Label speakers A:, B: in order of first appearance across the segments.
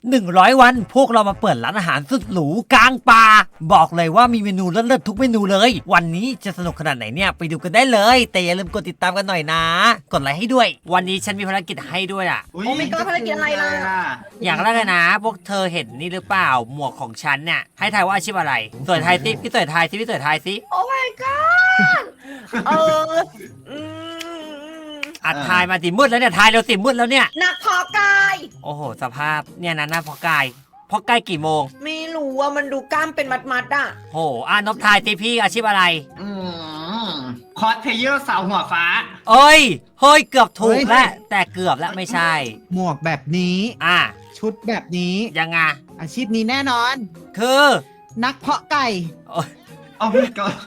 A: 100 วันพวกเรามาเปิดร้านอาหารสุดหรูกลางป่าบอกเลยว่ามีเมนูเลิศๆทุกเมนูเลยวันนี้จะสนุกขนาดไหนเนี่ยไปดูกันได้เลยแต่อย่าลืมกดติดตามกันหน่อยนะกดไลค์ให้ด้วยวันนี้ฉันมีภารกิจให้ด้วยอ่ะ
B: โอ้ไม่ก็ภารกิจอะไรล่ะ
A: อย่างแรกเลยนะพวกเธอเห็นนี่หรือเปล่าหมวกของฉันเนี่ยให้ทายว่าอาชีพอะไรสวยทายสิพี่สวยทายสิพี่สวยทายสิ
B: โอ้ my god เอออืม
A: อัดทายมาสิมืดแล้วเนี่ยทายเร็วสิมืดแล้วเนี่ย
B: นักเพอกาย
A: โอ้โหสภาพเนี่ยนะหน้าพอกายพอกายกี่โมง
B: ไม่รู้ว่ามันดูกล้ามเป็นมัดๆอ่ะ
A: โหนบทายสิพี่อาชีพอะไร
C: คอสเพลเยอร์สาวหัวฟ้า
A: เฮ้ยเกือบถูกแล้วแต่เกือบแล้วไม่ใช่
D: หมวกแบบนี้
A: อ่ะ
D: ชุดแบบนี้
A: ยังไง
D: อาชีพนี้แน่นอน
A: คือ
D: นักเพาะไก่
A: โอ๊ย
C: โอ้ my god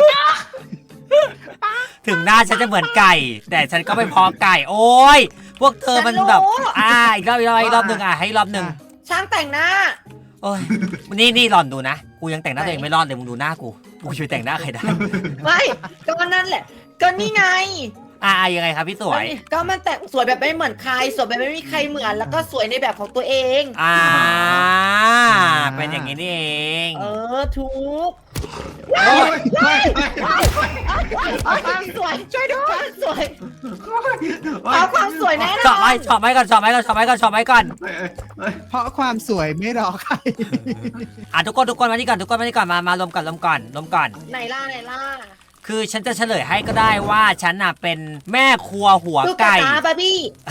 A: ถึงหน้าฉันจะเหมือนไก่ แต่ฉันก็ไม่พอไก่ โอ้ยพวกเธอมันแบบอีกรอบหนึ่งให้รอบหนึ่ง
B: ช่างแต่งหน้า
A: โอ้ยนี่หล่อนดูนะกูยังแต่งหน้าตัวเองไม่รอดเลยมึงดูหน้ากูช่วยแต่งหน้าใครได้
B: ไม่ก็นั่นแหละ ก็นี่ไง
A: ยังไงครับพี่สวย
B: ก็มันแต่งสวยแบบไม่เหมือนใครสวยแบบไม่มีใครเหมือน แล้วก็สวยในแบบของตัวเอง
A: เป็นอย่างนี้นี่เอง
B: ถูก
C: โอ้ย
B: เอาความสวยช่วยด้วยความสวยเอาความสวยแน่น
A: ช
B: อ
A: อบไหม
B: น
A: ชอบไหมก่อน
D: เพราะความสวยไม่รอใคร
A: ทุกคนมานี่ก่อนมารวมก่อน
B: ไหนล่ะ
A: คือฉันจะเฉลยให้ก็ได้ว่าฉันน่ะเป็นแม่ครัวหัว
B: ตุ๊ก
A: ไก่
B: ตาบาร์บี้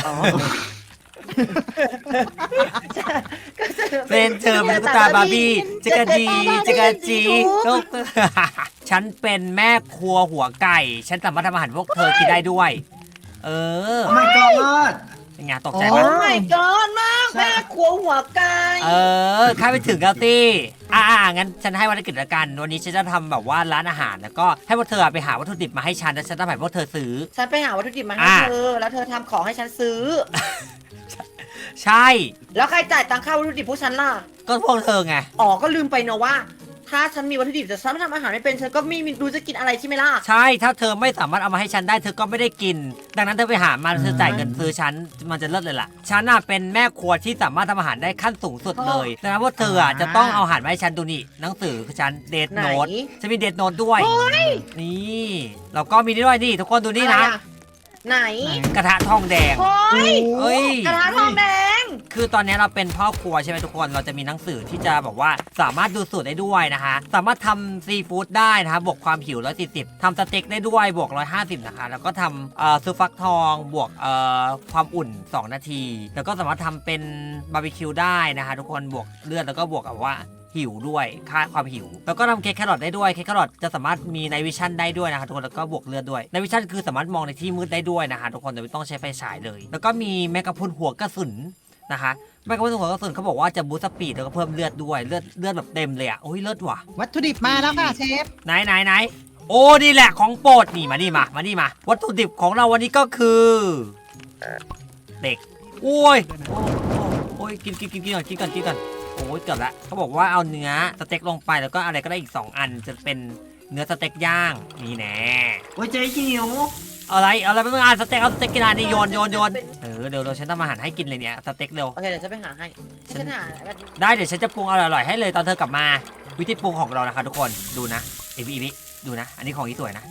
A: เป็นเธอเป็นตุ๊กตาบาร์บี้จิกาจีตุ๊กฉันเป็นแม่ครัวหัวไก่ ฉันสามารถทำอาหารพวกเธอกินได้ด้วย
C: โอ้ my god
A: เป็นไงตกใจ
B: โอ้
A: ไหม
B: my god มากแม่ครัวหัวไก่
A: ข้าไปถึงแล้วสิงั้นฉันให้ภารกิจละกันวันนี้ฉันจะทำแบบว่าร้านอาหารแล้วก็ให้พวกเธอไปหาวัตถุดิบมาให้ฉันแล้วฉันจะให้พวกเธอซื้อ
B: ฉันไปหาวัตถุดิบมาให้เธอแล้วเธอทำของให้ฉันซื้อ
A: ใช่
B: แล้วใครจ่ายตังค่าวัตถุดิบพวกฉันล่ะ
A: ก็พวกเธอไง
B: ก็ลืมไปเนอะว่า ถ้าฉันมีวัตถุดิบแต่ฉันไม่ทำอาหารไม่เป็นฉันก็ไม่รู้จะกินอะไรใช่ไหมล่ะ
A: ใช่ถ้าเธอไม่สามารถเอามาให้ฉันได้เธอก็ไม่ได้กิน ดังนั้นเธอไปหามาเธอจ่ายเงินซื้อฉันมันจะเลิศเลยล่ะฉันน่ะเป็นแม่ครัวที่สามารถทำอาหารได้ขั้นสูงสุดเลยดังนั้นพวกเธอจะต้องเอาอาหารมาให้ฉันดูนี่หนังสือคือฉันเดทโน้ตฉันมีเดทโน้ตด้วยนี่แล้วก็มีนี่ด้วยนี่ทุกคนดูนี่นะ
B: ไหน
A: กระทะทองแดง
B: เฮ้ยกระทะทองแดง
A: คือตอนนี้เราเป็นพ่อครัวใช่ไหมทุกคน เราจะมีหนังสือที่จะบอกว่าสามารถดูสูตรได้ด้วยนะคะ สามารถทำซีฟู้ดได้นะคะบวกความหิว140ทำสเต็กได้ด้วยบวก150นะคะ แล้วก็ทำซุปฟักทองบวกความอุ่น2นาที แล้วก็สามารถทำเป็นบาร์บีคิวได้นะคะทุกคนบวกเลือดแล้วก็บวกกับว่าหิวด้วยค่าความหิวแล้วก็ทำเค้กแครอทได้ด้วยเค้กแครอทจะสามารถมีไนวิชั่นได้ด้วยนะคะทุกคนแล้วก็บวกเลือดด้วยไนวิชั่นคือสามารถมองในที่มืดได้ด้วยนะคะทุกคนโดยไม่ต้องใช้ไฟฉายเลย แล้วก็มีแมกกาพรุนหัวกระสุนนะคะแมกกาพรุนหัวกระสุนเขาบอกว่าจะบูสต์สปีดแล้วก็เพิ่มเลือดด้วยเลือดแบบเต็มเลยอ่ะโอ้ยเลือดว่ะ
D: วัตถุดิบมาแล้วค่ะเชฟ
A: ไหนโอ้นี่แหละของโปรดนี่มาวัตถุดิบของเราวันนี้ก็คือเด็กโอ้ยกินก่อนโอ้ยเกือบละเขาบอกว่าเอาเนื้อสเต็กลงไปแล้วก็อะไรก็ได้อีก2อันจะเป็นเนื้อสเต็กย่างนี่แน่
C: โอ้ยเจ๊หิว
A: อะไรไม่ต้องสเต็กเอาสเต็กกินอันนี้โยนเดี๋ยวฉันทำอาหารให้กินเลยเนี่ยสเต็กเร็ว
B: โอเคเดี๋ยวฉันไปหาให้ฉันหา
A: ได้เดี๋ยวฉันจะปรุงอร่อยๆให้เลยตอนเธอกลับมาวิธีปรุงของเรานะคะทุกคนดูนะอีวิดูนะอันนี้ของอีสวยนะ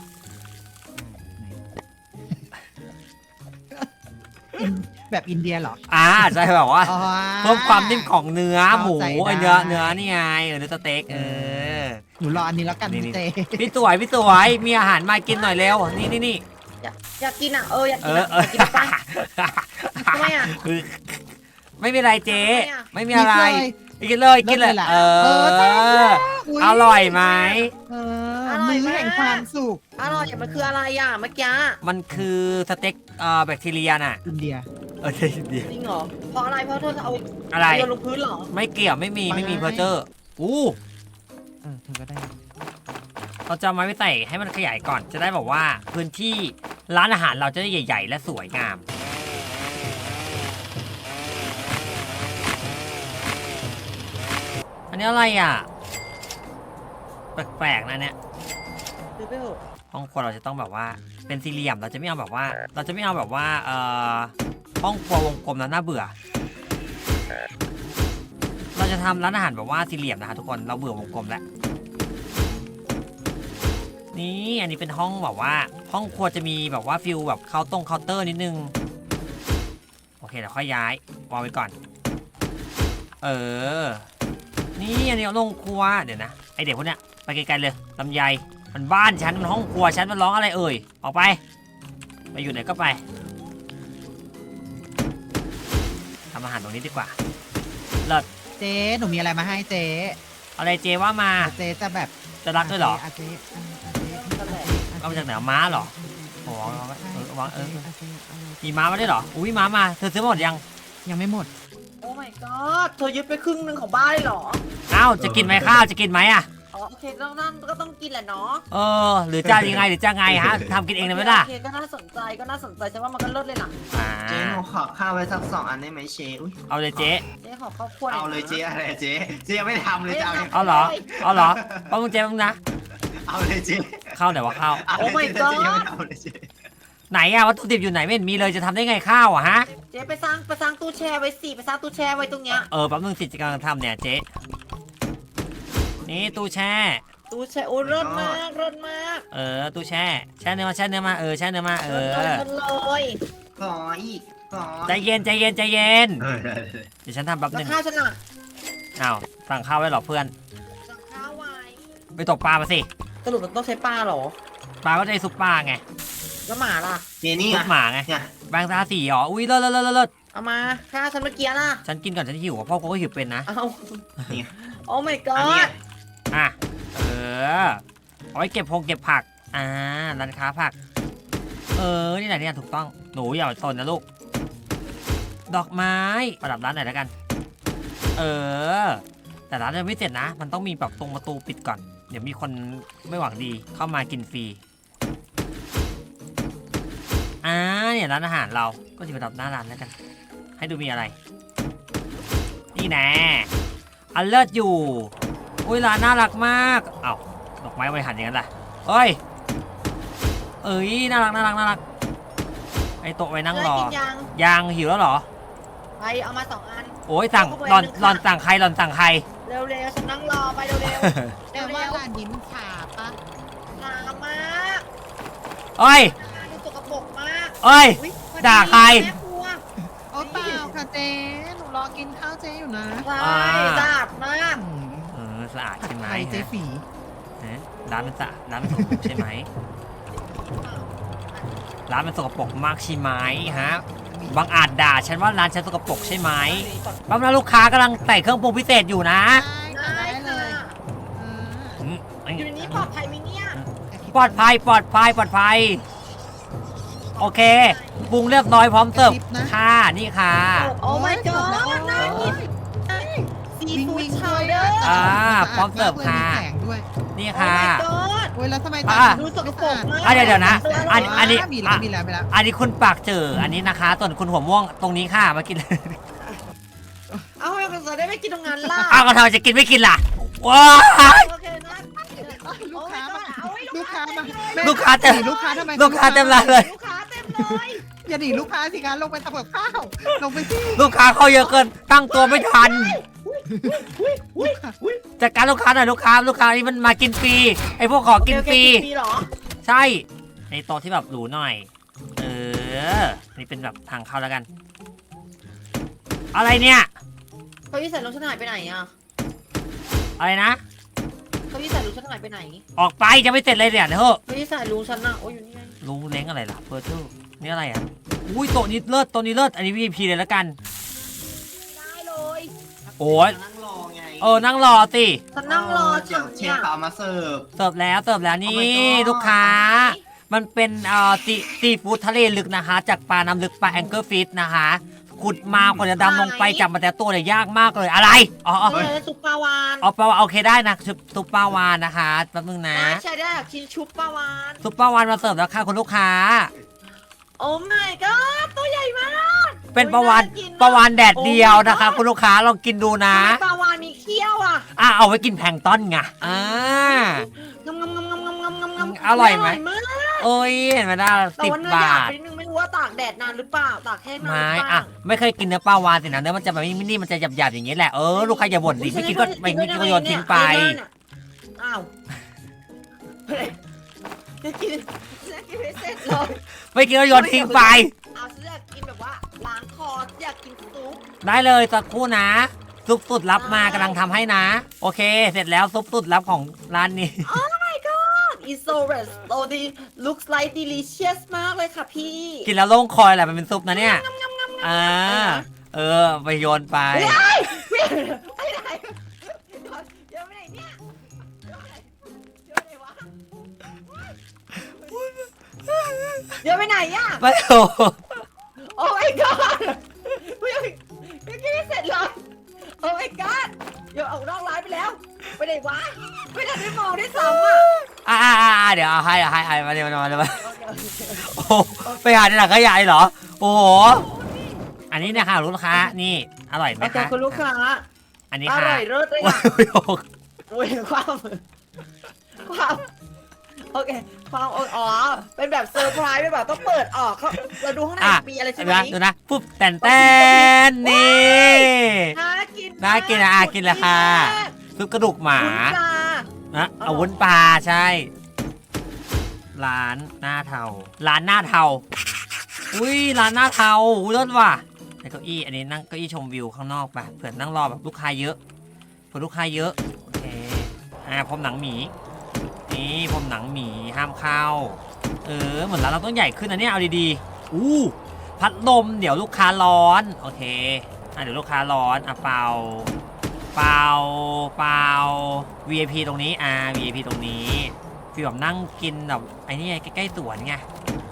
D: แบบอินเดียเหรอ
A: ใช่แบบว่า
D: อ๋อ
A: เพิ่มความนิ่มของเนื้อหมู
D: เข้าใจ
A: ไอ้
D: ได้
A: เนื้อนี่ไงเนื้อสเต็ก
D: หนูรออันนี้แล้วกัน
A: นี่
D: เจ
A: พี่สวยมีอาหารมากินหน่อยเร็วนี่
B: อยากกินอ่ะอยากกิน
A: เออ
B: กินไปทำไมอ่ะ
A: ไม่มีอะไรเจ๊ไม่มีอะไร
D: กิ
A: กินเลย
D: ใช่แล้วอุ๊ย
A: อร่อยไหม
D: มื้อแห่งความสุข
B: อร่อยมันคืออะไรอ่ะเมื่อกี้
A: มันคือสเต็กแบคทีเรียน่ะ
D: อินเดีย
A: เดี๋ยว
B: จริงเหรอเพราะอะไรเพราะเธอเอา
A: อะไร
B: โยนลงพื้นเหรอ
A: ไม่เกี่ยวไม่มีเพอร์เจอร์อู้
D: เธอก็ได้
A: เราจะเอาไม้ไปใส่ให้มันขยายก่อนจะได้บอกว่าพื้นที่ร้านอาหารเราจะได้ใหญ่ ๆ และสวยงามอันนี้อะไรอ่ะแปลกๆนะเนี่ย
B: ซื้อไปเถอะ
A: ห้องครัวเราจะต้องแบบว่าเป็นสี่เหลี่ยมเราจะไม่เอาแบบว่าห้องครัววงกลมแล้วน่าเบื่อเราจะทำร้านอาหารแบบว่าสี่เหลี่ยมนะคะทุกคนเราเบื่อวงกลมแล้วนี่อันนี้เป็นห้องแบบว่าห้องครัวจะมีแบบว่าฟิลแบบเคาน์เตอร์นิดนึงโอเคเดี๋ยวค่อยย้ายวางไว้ก่อนนี่อันนี้เอาลงครัวเดี๋ยวนะไอเด็กพวกเนี้ยไปไกลๆเลยลำไยมันบ้านฉันมันห้องครัวฉันมันร้องอะไรเอ่ยออกไปอยู่ไหนก็ไปทำอาหารตรงนี้ดีกว่าเลิศ
D: เจ๊หนูมีอะไรมาให้เจ๊
A: อะไรเจว่ามา
D: เจ๊จะแบบ
A: จะรักด้วยเหรอ
D: เจ๊
A: เอามาจากไหนม้าเหรอโอ้วางมีม้ามาได้เหรออุ้ยม้ามาเธอซื้อหมดยัง
D: ยังไม่หมด
B: โอ้ my god เธอยึดไปครึ่งหนึงของบ้านเลยเหรอ
A: อ้าวจะกินไหมข้าวจะกินไหมอ่ะ
B: อ๋อโอเคนั่นก็ต้องกินแหละเนาะ
A: หรือจะยังไงหรือจะไงฮะทำกินเองได้ไหมล่ะ
B: โอเคก็น่าสนใจฉันว่ามันก็เลิศเลยล่ะ
C: เจ๊หนูขอข้าวไว้สัก2 อันได้ไหมเชอุ้ย
A: เอาเลยเจ๊
B: เจ๊ขอข้าวคั่วหน่
C: เอา
B: นะ
C: เลยเจ๊อะไรเจ๊ยังไม่ทำเลยจะเอาเนี่ย
A: เอาเหรอป้ามึงเจ๊มึงนะ
C: เอาเลยเจ๊
A: ข้าวไหนวะข้าว
C: เอาเลยเจ๊ยังไม่เอาเลยเจ๊
A: ไหนอะวัตถุดิบอยู่ไหนไม่เห็นมีเลยจะทำได้ไงข้าวอะฮะ
B: เจ๊ไปสร้างตู้แช่ไว้สิไปสร้างตู้แช่ไว้ตรงเนี้ย
A: แป๊บนึงสิจะกำลังทำเนี่ยเจ๊นี่ตู้แช่
B: ตู้แช่โอ้เลิศมาก
A: ตู้แช่แช่เนื้อมาแช่เนื้อมาแช่เนื้อมา
B: เลิศเลย
C: ขออีกขอ
A: ใจเย็นเดี๋ยวฉันทำแป๊บ
B: แล้
A: นึ
B: ว
A: ง
B: ข้าวฉันอ่ะ
A: อ้าวสั่งข้าวไว้เหรอเพื่อน
B: สั่งข้าวไว้
A: ไปตกปลามาสิ
B: สรุปมันต้องใช้ปลาเหรอ
A: ปลาก็ได้ซุปปลาไง
B: แล้วหมาล่ะ
C: เจนี่
A: ซุปหมาไง
C: เนี่ย
A: แบงค์ตาสีอ๋ออุ้ยเลิศ
B: เอามาข้าวฉันเมื่อกี้ล่ะ
A: ฉันกินก่อนฉันหิวอะพ่อกูก็หิวเป็นนะ
B: เอา
C: นี่
B: โอ้ my
C: อันเนี้
B: god
C: ย
A: อ่ะเอาไว้เก็บผักร้านค้าผักนี่แหละเนี่ยถูกต้องหนูอย่าสนนะลูกดอกไม้ประดับร้านไหนแล้วกันแต่ร้านยังไม่เสร็จนะ มันต้องมีแบบตรงประตูปิดก่อนเดี๋ยวมีคนไม่หวังดีเข้ามากินฟรีเนี่ยร้านอาหารเราก็จะประดับหน้าร้านแล้วกัน ให้ดูมีอะไรนี่แน่อันเลิศอยู่อุ้ยร้านน่ารักมากเอ้าดอกไม้ไว้หันอย่างนั้นล่ะเอ้ยน่ารักไอโต๊ะไว้นั่งรอ
B: กินยัง
A: ยังหิวแล้วเหรอ
B: ไปเอามา2 อัน
A: โอ้ยสั่งหลอนสั่งใคร
B: เร็วๆฉันนั่งรอไปเร็วๆ
D: แต่ว่าร้านนี้มันขาปะ
B: ช้ามาก
A: เอ้ย
B: ดูสกปรกมาก
A: เอ้ย
B: อุ๊ย
A: ด่าใคร
B: แม่ครัว
D: โอ้เปล่าค่ะเจ๊หนูรอกินข้าวเจ๊อยู่นะ
B: ใช่สะอาดมาก
A: สะอาดใช่ไหม
D: ไข่เจ๊ฝี
A: ร้านมันสะอาดร้านมันสกปรกใช่ไหมร้านมันสกปรกมากใช่ไหมฮะบางอาจด่าฉันว่าร้านฉันสกปรกใช่ไหมแป๊บนึงลูกค้ากำลังใส่เครื่องปรุงพิเศษอยู่นะ
B: ได้
D: เล
B: ค่ะ
D: ย
B: อยู่ในนี้ปลอดภัยไหมเนี่ย
A: ปลอดภัยโอเคปรุงเรียบร้อยพร้อมเสิร์ฟค่ะนี่ค่ะ
B: โอ้ my god น่ากินซีฟู้ดชาวเดอร์
A: พร้อมเสิร์ฟค่ะ
D: แข็งด้วย
A: นี่
B: โอ้
A: ค่ะ
B: my god
D: โอ้ยแล้วทำไม
B: ดูสกปรกมาก
A: เดี๋ยวนะ อันนี้
D: มีแล้ว
A: อันนี้คุณปากเจออันนี้นะคะส่วนคุณหัวม่วงตรงนี้ค่ะมากิน
B: เอาให้เราได้ไม่กินตรงนั้นล่ะ
A: อ้าวก็ทำไมจะกินไม่กินล่ะว้า
B: โอเคนะ
D: ลูกค้ามา
B: เอาให้
D: ลูกค้ามา
A: ลูกค้าเต็ม
D: ลูกค้าทำไม
A: ลูกค้าเต็มร้านเลย
B: ลูกค้าเต็มเลย
D: อย่าหนีลูกค้าสิคะลงไปทำกับข้าวลงไปสิ
A: ลูกค้าเข้าเยอะเกินตั้งตัวไม่ทันจัดการลูกค้าหน่อยลูกค้านี่มันมากินฟรีไอพวกขอกินฟรี
B: เหรอ
A: ใช่ในโต๊ะที่แบบหรูหน่อยนี่เป็นแบบทางเข้าแล้วกัน อะไรเนี่ย
B: เก้าอี้ใส่รถฉันหายไปไหนอ่ะ
A: อะไรนะ
B: เก้าอี้ใส่รถฉันหายไปไหน
A: ออกไปจะไม่เสร็จเลยเนี่ยเถอะ
B: เก้าอี้ใส่รูฉันน่ะโอ้ยอยู่นี่ไง
A: ลุงเล้งอะไรล่ะเฟอร์ทูนี่อะไรอ่ะอุ้ยโต๊ะนี้เลิศอันนี้ VIP เลยแล้วกัน
B: ได้เลย
A: โอ้ย
C: นั่งรอไง
A: นั่งรอสิ
B: ฉันนั่งรอ
C: เดี๋ยวเชฟเอามาเสิร์ฟ
A: เสิร์ฟแล้วนี่
C: Oh my god
A: ลูกค้า มันเป็นซีฟู้ดทะเลลึกนะคะ จากปลาน้ำลึกปลาแองเกิลฟิชนะคะขุดมากว่าจะดำลงไปจับมาแต่ตัวเนี่ยยากมากเลยอะไร
B: เลยซุปปลาวาน
A: ปลาวานโอเคได้นะซุปปลาวานนะคะแป๊บนึงนะ
B: ใช่ได้ชิ้นชุบปลาวาน
A: ซุปปลาวานมาเสิร์ฟแล้วค่ะคุณลูกค้า
B: โอ้ my god ตัวใหญ่มาก
A: เป็นปลาวานแดดเดียวนะคะคุณลูกค้าลองกินดูนะ
B: ปลาวานมีเขี้ยวอ่ะ
A: เอาไว้กินแพลงก์ต้นไง
B: งำ
A: อร่อยไหม
B: มาก
A: โอ้ยเห็นไหมนะ
B: แต่ว่าเนื้
A: 10
B: อหยา
A: บา
B: บ
A: ท
B: ไปนิดนึงไม่รู้ว่าตากแดดนานหรือเปล่าตากแห้งนานห
A: ไม่
B: รือเป
A: อ่ะ
B: ล่า
A: ไม่เคยกินเนื้อปลาวานสินะเนื้อมันจะแบบนี่มันจะหยาบๆอย่างนี้แหละลูกค้าอย่าบ่นดิไม่กินก็ไม่กินก็โยนทิ้งไป
B: อ้าวจะกินไม่เสร็จเลย
A: ไม่กินก็โยนทิ้งไป
B: เอาฉันอยากกินแบบว่าล้างคออยากกินซุป
A: ได้เลยสักครู่นะซุปสุดลับมากำลังทำให้นะ โอเค เสร็จแล้วซุปสุดลับของร้านนี้
B: my god it's so rest so the looks like delicious มากเลยค่ะพี่
A: กินแล้วโล่งคอยแหละมันเป็นซุปนะเนี่ยไปโยนไป
B: ไปไหนเดี๋ยวไปไหนเนี่ยเดี๋ยวไปไหนวะเดี๋ยวไปไหนอ่ะ
A: ไม่โอ้
B: โอ้ my god ยังกินไม่เสร็จเลยโอ้ my god เดี๋ยวออกนอกร้านไปแล้วไปไหนวะไม่ทันได้มองได้ซ้ำอ่ะ
A: เดี๋ยวเอาให้มาเดี๋ยวมาโอ้ไปหาในหลังขยะเหรอโอ้โหอันนี้เนี่ยค่ะลูกค้านี่อร่อยไหม
B: โอเค
A: คะ
B: คุณลูกค้า
A: อันนี้
B: อ
A: ค่ะ
B: ร่อยเลิศเลยค่ะโอ้ยความโอเคความอ๋อเป็นแบบเซอร์ไพรส์แบบต้องเปิดออกเขาเราดูข้างในมีอะไรใช่ไหม
A: ดูนะปุ๊บแตนนี่
B: น่ากิน
A: น่ากินนะกินเลยค่ะซุปกระดูกหมา
B: คุณปลา
A: นะเอาวุ้นปลาใช่ ร้านหน้าเทาร้านหน้าเทาอุ้ยร้านหน้าเทาอุ้ยรสว่ะในเก้าอี้อันนี้นั่งเก้าอี้ชมวิวข้างนอกไปเผื่อนั่งรอแบบลูกค้าเยอะเผื่อลูกค้าเยอะโอเคพรมหนังหมีนี่พรมหนังหมีห้ามเข้าเหมือนร้านเราต้องใหญ่ขึ้นนะเนี่ยเอาดีๆอู้พัดลมเดี๋ยวลูกค้าร้อนโอเคเดี๋ยวลูกค้าร้อนเป่า VIP ตรงนี้VIP ตรงนี้ฟีลแบบนั่งกินแบบไอ้นี่ใกล้ๆสวนไง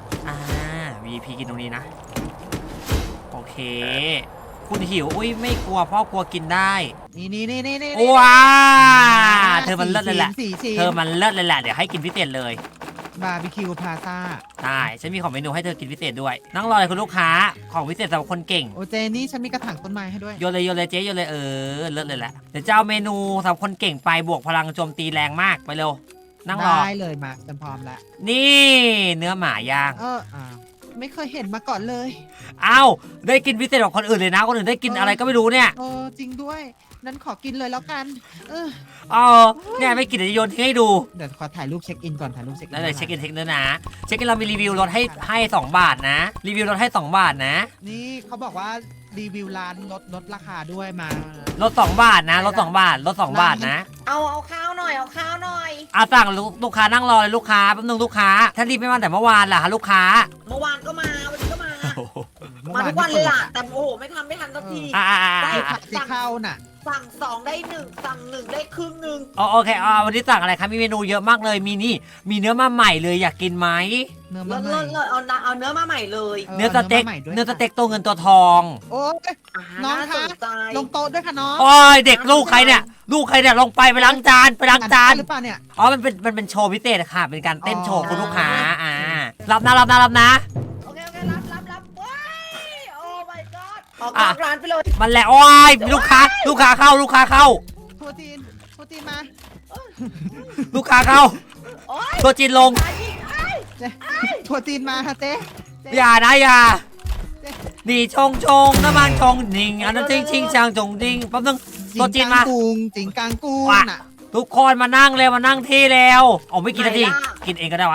A: VIP กินตรงนี้นะโอเคคุณหิวอุ้ยไม่กลัวพ่อกลัวกินได้
D: นี่
A: ว้าเธอมันเลิศเลยแหละ
D: สี่ชิ้น
A: เธอมันเลิศเลยแหละเดี๋ยวให้กินพิเศษเลย
D: บาร์บีคิวพลาซ่า
A: ได้ฉันมีของเมนูให้เธอกินพิเศษด้วยนั่งรอเลยคุณลูกค้าของพิเศษสำหรับคนเก่ง
D: โอเจนี่ฉันมีกระถางต้นไม้ให้ด้วย
A: โยนเลยเจ๊โยนเลยเลิศเลยแหละเดี๋ยวจะเอาเมนูสำหรับคนเก่งไปบวกพลังโจมตีแรงมากไปเร็วนั่งรอ
D: ได้เลยมาฉันพร้อมแล้ว
A: นี่เนื้อหมาย่าง
D: ไม่เคยเห็นมาก่อนเลย
A: อ้าวได้กินพิเศษกว่าคนอื่นเลยนะคนอื่นได้กินอะไรก็ไม่รู้เนี่ย
D: จริงด้วยนั้นขอกินเลยแล้วกัน
A: เนี่ยไม่กินเดี๋ยวจะโยนทิ้งให้ดู
D: เดี๋ยวขอถ่ายรูปเช็คอินก่อนถ่ายรูปเช็คอิน
A: แล้วเลยเช็คอินด้วยนะเช็คอินเรามีรีวิวลดให้2 บาทนะรีวิวลดให้2 บาทนะ
D: นี่เขาบอกว่ารีวิวร้านลดราคาด้วยมา
A: ลด2 บาทนะลด2 บาทลด2 บาทนะ
B: เอาข้าวหน่อยเอาข้าวหน่อย
A: สั่งลูกค้านั่งรอเลยลูกค้าแป๊บนึงลูกค้าถ้ารีบไม่มาแต่เมื่อวานล่ะลูกค้า
B: เมื่อวานก็มาวันนี้ก็มามาทุกวันเลยล่ะแต่โอ้โหไม่ทันสักที
D: ผัดซีข้าวน่ะ
B: สั่ง2ได้1สั่ง1ได้ครึ่งนึง
A: โอเควันนี้สั่งอะไรครับมีเมนูเยอะมากเลยมีเนื้อมาใหม่เลยอยากกินไหม
D: เนื้อ
B: เลิ
D: มา
B: ศ
D: ใหม่
B: เอาเนื้อมาใหม่เลย
A: เนื้อสเต็กตัวเงินตัวทอง
D: โอ้ย น้องคะ ลงโต๊ะด้วยค่ะน้อง
A: โอ้ยเด็กลูกใครเนี่ยลงไปล้างจานห
D: รือเปล่าเนี่ย
A: มันเป็นโชว์พิเศษค่ะเป็นการเต้นโชว์คุณลูกค้ารับนะ
B: โอเครับว้ายโอ้ my god ออกนอกร้านไปเลย
A: มันแหละโอ้ยลูกค้าเข้า
D: โปรตีนมา
A: ลูกค้าเข้า
B: โอ้ย
A: ตัวจีนลง
D: โปรตีนมาค่ะเจ๊
A: อย่าดีชงน้ำมันชงนิ่งอันนั้นชิงช่างจงดิ้งแป๊บนึงตัวจีนมา
D: จิงกางกุ้งน่ะ
A: ทุกคนมานั่งเร็วมานั่งที่แล้วไม่กินนาทีกินเองก็ได้วะ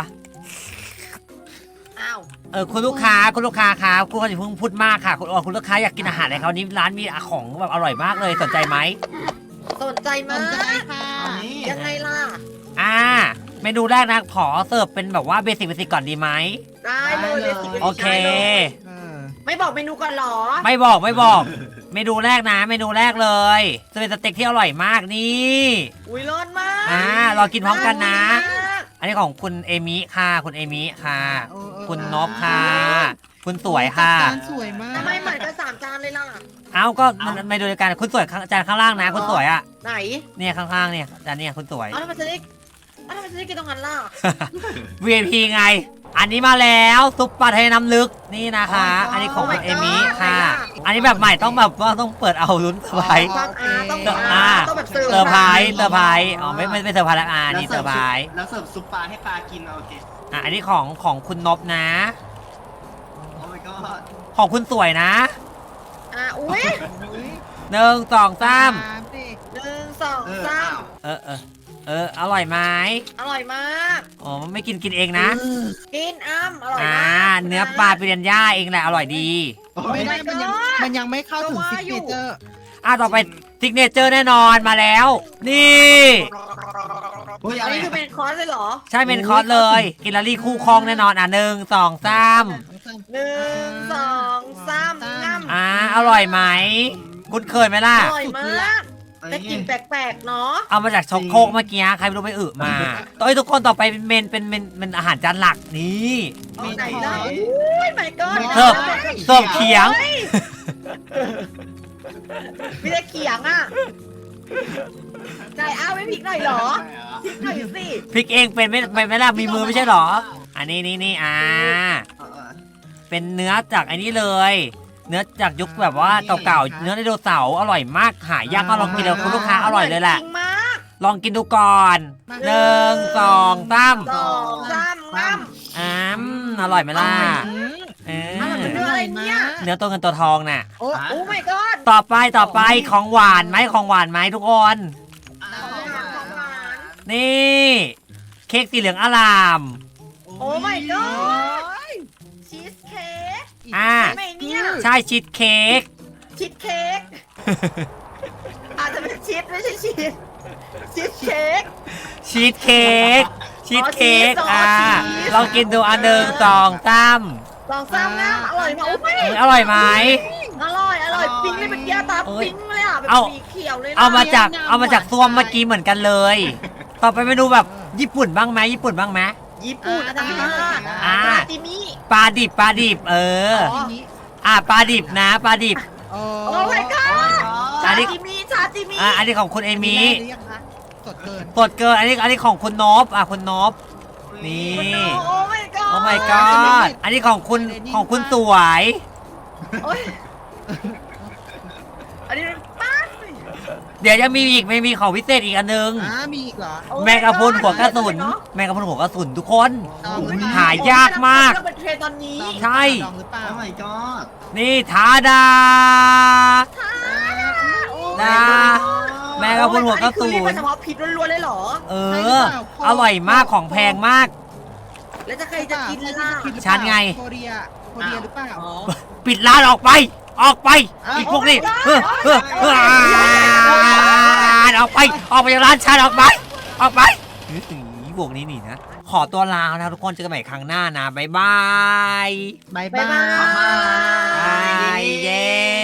B: อ้าว
A: คุณลูกค้าครับคุณลูกค้าอย่าเพิ่งพูดมากค่ะคุณลูกค้าอยากกินอาหารอะไรครับวันนี้ร้านมีของแบบอร่อยมากเลยสนใจไหม
B: สนใจมาก
D: ค่ะ
B: ยังไงล่ะ
A: เมนูแรกนะขอเสิร์ฟเป็นแบบว่าเบสิกก่อนดีไหม
B: ได้เลย
A: โอเค
B: ไม่บอกเมนูก่อนหรอ
A: ไม่บอกเมนูแรกนะเมนูแรกเลยจะเป็นสเต็กที่อร่อยมากนี่
B: อุ้ยร้อนมาก
A: รอกินพร้อมกันนะ อันนี้ของคุณเอมิค่ะคุณเอมิค่ะ คุณนพค่ะ คุณสวยค่ะ
D: จานสวยมาก
B: ทำไมเหมือนกัน3 จานเลยล่ะ
A: ก็มันไม่ดูกันคุณสวยจานข้างล่างนะคุณสวยอ่ะ
B: ไหน
A: เนี่ยข้างๆเนี่ยจานเนี่ยคุณสวย
B: ทำไมจะได้กินตรงนั้นล่ะ
A: VIP ไง อันนี้มาแล้วซุปปลาไทยน้ำลึกนี่นะคะ อันนี้ของคุณเอมิค่ะ อันนี้แบบใหม่ต้องแบบว่าต้องเปิดเอาลุ้นเซอร์ไพรส์
B: ต้องแบบเซอร์ไพรส์
A: ไม่เซอร์ไพรส์แล้วนี่เซอร์ไพรส์
C: แล้วเสิร์ฟซุปปลาให้ปลากินโอเค
A: อันนี้ของคุณนพนะ
B: โ
C: god
A: ของคุณสวยนะ
B: อุ้ย
A: หนึ่งสองสาม
D: สิ
B: 1 2 3
A: อร่อยไหม
B: อร่อยมาก
A: อ๋อไม่กินเองนะ
B: กินอร่อย
A: อ่าม
B: าก
A: เนื้อปลาปิเรนย่าเองแหละอร่อยดี
D: ไม่ได้มันยังไม่เข้าถึง
B: ก็
D: ซิ
B: ว่าก อยู่
D: เนเจอร์
A: ต่อไปซิกเนเจอร์แน่นอนมาแล้ว นี่
C: อุ้ย
B: อั
C: อะ
B: น
C: ไร
B: นี้คือเป็นคอร์สเลยเหรอ
A: ใช่เป็นคอร์สเลย กินลารี่คู่ครองแน่นอนหนึ่งสองสาม
B: 1 2 3ง่ำ
A: อร่อยไหมคุณเคยไหมล่ะ
B: อร่อยมากแต่กลิ่นแปลกๆเนาะ
A: เอามาจากช็อกโคกเมื่อกี้ใครไม่รู้ไปอึมาทุกคนต่อไปเป็นเป็นอาหารจานหลักนี่
B: เอาไหนได้อุ้ยไม่ก็
A: เสิร์ฟเสิร์ฟเขียง
B: มีแต่เขียงอ่ะไหนเอาไม่พริกหน่อยเหรอพริกหน่อยสิ
A: พริกเองเป็นไม่ล่ะมีมือไม่ใช่เหรอ อันนี้นี่เป็นเนื้อจากไอ้นี้เลย เนื้อจากยุคแบบว่าเก่าๆเนื้อไดโนเสาร์อร่อยมากหายากก็ลองกินเลยคุณลูกค้าอร่อยเลยแหละ
B: จริงมาก
A: ลองกินดูก่อนหนึ่งสองสาม
B: 2 3ง่ำ
A: อร่อยไหมล่ะเออ
B: อร่อยเหมือนเนื้ออะไรเนี่ย
A: เนื้อตัวเงินตัวทองน่ะ
B: โอ้ my god
A: ต่อไปของหวานไหมทุกคน
B: ของหวาน
A: นี่ เค้กสีเหลืองอลาม
B: โอ้ my god ชีสเค้ก
A: อ่า
B: ใช่ไหมเนี่ย
A: ใช่ชีสเค้ก
B: ชีสเค้กอาจจะเป็นชีสไม่ใช่ชีสชีสเค้ก
A: ชีสเค้กชีสเค้ก
B: อ๋อชีส
A: ลองกินดูหนึ่งสองสาม
B: ลองซ้ำนะอร่อยมากโอ้ไม่
A: อร่อยไหม
B: อร่อยปิ๊งเลยเป็นเกี๊ยวตาปิ๊งเลยอ่ะแบบ
A: เอา
B: สีเขียวเลยนะ
A: เอามาจากซ่วมเมื่อกี้เหมือนกันเลย ต่อไปเมนูแบบญี่ปุ่นบ้างไหมญี่ปุ่นบ้างไหม
B: ญี่ปุ่น
D: ได้
A: อ่า
B: ปลาติมิ
A: ปลาดิบปลาดิบ
B: อ๋อ
D: ทีนี้
A: ปลาดิบนะปลาดิบ
D: โอ้
B: โอ้ my god ชา
A: อันนี้
B: ติมิชาติมิ
A: อันนี้ของคุณเอมี่
D: หรือยังคะสดเกิน
A: สดเกินอันนี้ของคุณนบคุณนบนี่
B: โอ้ my god
A: โอ้ my god อันนี้ของคุณสวย
B: โอ้ยอันนี้เป็นป้า
A: เดี๋ยวจะมีอีกไม่มีของพิเศษอีกอันนึง
D: มีอีกเหรอ
B: โอ้ my
A: แมงกะพรุน
B: god
A: หัวกระสุนแมงกะพรุนหัวกระสุนทุกคน
D: ลองหรือเปล่
A: หายากมาก
B: ต้องเป็นเทรนด์ตอนนี้
A: ใช่
D: ลองหรือเปล่า
C: โอ้ my god
A: นี่ทาดา
B: โอ้ my
A: นะ
B: god
A: แมงกะพรุนหัวกระสุ
B: อันนี้คือเรียก
A: น
B: ว่าเฉพาะผิดล้วนๆเลยเหรอ
A: อร่อยมากของแพงมาก
B: แล้วจะใครจะกินล่ะ
A: ฉันไง
D: โคเรียหรือเปล่า
B: อ๋อ
A: ปิดร้านออกไปอีกพวกนี้ออกไปจากร้านฉันออกไปพวกนี้นี่นะ ขอตัวลานะทุกคนเจอกันใหม่ครั้งหน้านะบ๊ายบาย
D: บาย
B: บ๊ายบาย
A: เย้